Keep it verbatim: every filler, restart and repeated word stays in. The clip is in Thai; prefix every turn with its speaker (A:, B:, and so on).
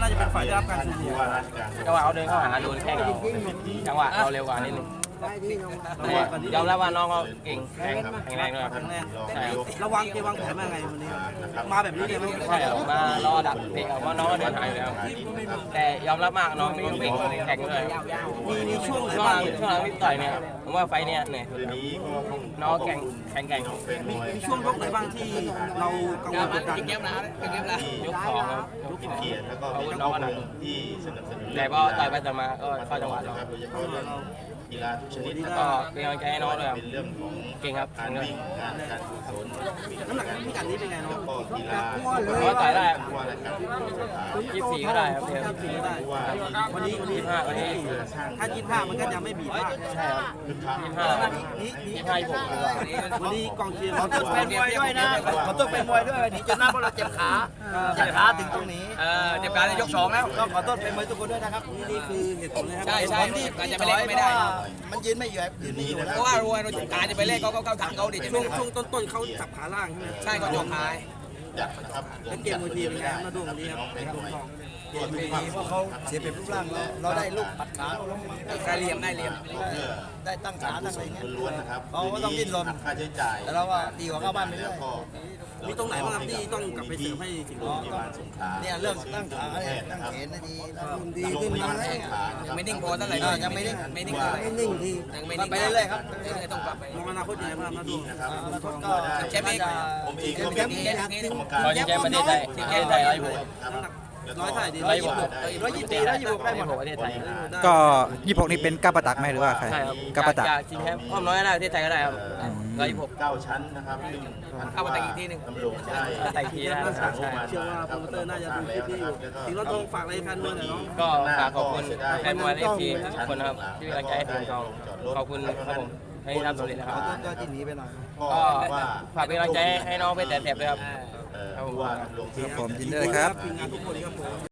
A: น่าจะเป็นฝ่ายได้รับการชูมือ
B: จังหวะเขาเดินเข้าหาโดนแข้งเราจังหวะเราเร็วกว่านิดนึงแต่ยอมรับว่าน้องเขาเก่งแข็งแข็งแรงด้วยครับ
A: ครั้งแรก
B: ใช่ครับ
A: ระวังเกมวางแผนมาไงวันนี้มาแบบนี้เลยไหม
B: ใช่ครับมารอดักเตะออกมาน้องก็เดินหายอยู่แล้วแต่ยอมรับมากน้องมีวิ่งแข็งด้วย
A: มีมีช่วงไหน
B: ช่วงห
A: บ้า
B: ลั
A: ง
B: งช่วงหลังที่ต่อยเนี่ยผมว่าไฟเนี่ยเหนื่อยน้องแข็งแข็งแกร่ง
A: มีมีช่วงยกไหนบ้างที่เรากังวลกดดัน
B: ยกสองครับยกสองอาวุธน้องก็หนักแต่พอต่อยไปต่อยมาก็เข้าจังหวะเรา
C: กีฬาทุกชนิด
B: แล้วก็เป็นกำลังใจให้น้องด้วยครับ
C: เป็นเรื่องของ
B: เก่งครับ
C: การวิ่งงานการกุศล
A: น้ำหนักพิกัดนี้เป็นไงน้อง
C: ก็กีฬา
B: น้องต่อยได้
C: ว่าอะไรครับ
B: ยี่สิบสี่ก็ได้ครับเพียง
A: ทีนี้ได้วันนี้วันนี้
B: ยี่สิบห้าวันนี้
A: ถ้ายี่สิบห้ามันก็จะไม่บีบมาก
B: ใช่ครับยี่สิบห้า
A: นี่นี่
B: ยี่สิบห้ายี่สิบหกดีกว่า
A: วันนี้กองเชียร์
D: ขอต้องเป็นมวยด้วยนะขอต้องเป็นมวยด้วยวันนี้จนหน้าเพราะเราเจ็บขาเจ็บขาถึงตรงนี้เออเจ็บขาในยกสองแล้วก็ขอโทษเป็นมวยทุกคนด้วยนะครับ
A: นี่นี่คือเหตุผลนะครับ
D: ใช่ใช่ที่ที่ถอยไม่ได้มันยืนไม่อยู่ยืนไม่อยู่เพราะว่ารวยเราเจ็บขาจะไปเล่นเขาเขาถังเขาดิ
A: ช่วงช่วงต้นๆเขาจับขาล่างใช่ไหม
D: ใช่เขาโยกขาย
C: จัดนะครับ
A: แล้วเกมมวยทีเป็นไงมาดูวันนี้ครับเป็นทองทอง
D: เพราะเขาเสียเป็นรูปร่างเราเราได้ลูกปัดขาได้เหลี่ยมได้เหลี่ยมได้ตั้งขาตั้งอะไรเงี้ย
C: ล้วนๆนะครับ
D: เขาก็ต้องดิ้นรน
C: ค่าใช้จ่าย
D: แต่เราว่าดีกว่าเข้าบ้านไปเรื่
C: แล้
D: อ
C: วย ก็
A: มีตรงไหนบ้างครับที่ต้องกลับไปเสริมให้สิงห์บุรี
C: ที่บ้านสงขลา
D: เนี่ยเรื่องตั้งขาเนี่ยตั้งแขนดีดีขึ้นมาแล้วยังไม่นิ่งพอเท่าไหร่ยังไม่นิ่งไม่นิ่งไม่นิ่งทียังไม่นิ่งไปเรื่อยๆครับต้องปรับไป
A: มองอนาคตยังไงบ้างมาดู
D: แล้วก็แชมป์เอง
C: ผมเองก็
D: แช
C: เป็น
D: มป์เอง
C: กรรมการ
B: เราจะแชมป์ประเทศไทยประเทศไทยร้อยหก
A: ร้อยเท่าไหร่ดี
B: ร้อยหก
D: ร้อยยี่สิบสี่ร้อยยี่สิบหกได้หมด
B: ประเทศไทย
E: ก็ยี่สิบหกนี่เป็นก้าวประตักไหมหรือว่าใคร
B: ใช่ครับ
E: ก้าวประตัก
B: จากชิงแชมป์อ้อมน้อยก็ได้ประเทศไทยก็ได้ครับร้อยหก
C: เก้าชั้นนะครับซึ่ง
D: เอามาแต่งอีกทีหนึ่ง
C: ตำรวจได้
B: แต่งทีได้
A: เชื่อว่าโปรโมเตอร์น่าจะดูคลิปนี้อยู่สิงห์ร้อยทองฝากอะไรแฟนมวยหน่อยน้อง
B: ก็ฝากขอบคุณแฟนมวยเอฟซีทุกคนนะครับที่เป็นกำลังใจให้ทีมเราขอบคุณครับผมให้ทำสำเร็จนะครับ
D: ก็ที่หนีไปหน่อย
B: ก็
C: ว่า
B: ฝากเป็นกำลังใจให้น้องเพชรแต่แถบด้วยครับ
C: เอ่อว่าลงที่
E: ผมยินดีด้วยครับ
A: ทีมงานทุกคนครับผม